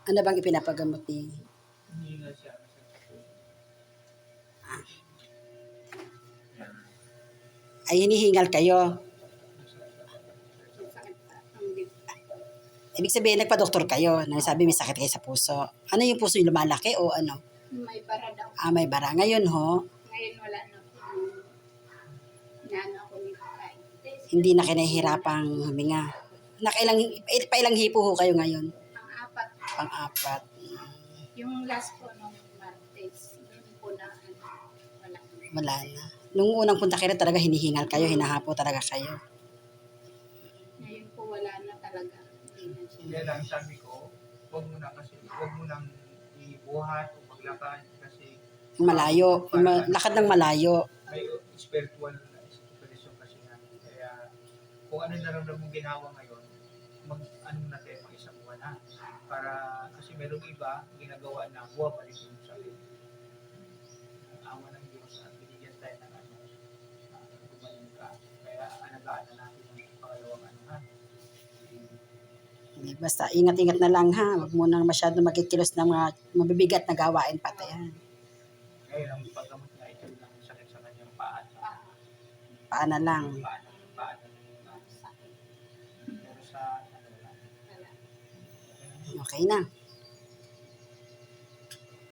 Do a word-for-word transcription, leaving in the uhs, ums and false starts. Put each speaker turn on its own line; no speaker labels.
Ano bang ipinapagamot ni?
Hinihingal siya. Masakit sa puso.
Ah. Ay, hinihingal kayo. Ibig sabihin, nagpa-doktor kayo. Nasabi may sakit kayo sa puso. Ano yung puso yung lumalaki o ano?
May bara daw.
Ah, may bara. Ngayon ho,
Ngayon wala na po. Inaano ako ni Kakain.
hindi na kinahihirapang huminga. Nakailang, eh, pa ilang hipo ho kayo ngayon?
Pang-apat.
Pang-apat.
Yung last po nung Martes, yun po na ano, wala.
Wala na. Nung unang punta kayo talaga hinihingal kayo, hinahapo talaga kayo.
Ngayon po wala na talaga. Hindi na siya.
Kaya lang sabi ko, huwag mo na kasi, huwag mo nang ibuhat o maglakad kasi
Malayo.
Para-
Ma- lakad ng malayo.
may spiritual na inspiration kasi nga. Kaya kung ano yung naramdaman mong ginawa ngayon, mag ano na tayo, mag isang buwan na. Para kasi merong iba ginagawa na buwabalik yung sakit. Ang awa ng Diyos at binigyan tayo ng ano, uh, gumaling ka. Kaya alagaan na natin yung pangalawang ano ha.
Hindi, basta ingat-ingat na lang ha. Huwag mo nang masyado magkikilos ng mga mabibigat na gawain pati ha.
Ngayon ang paggamot niya ito lang sakit sa kanyang paa.
Paana lang.
Paa na, paa na. Pero sa ano lang.
Okay na.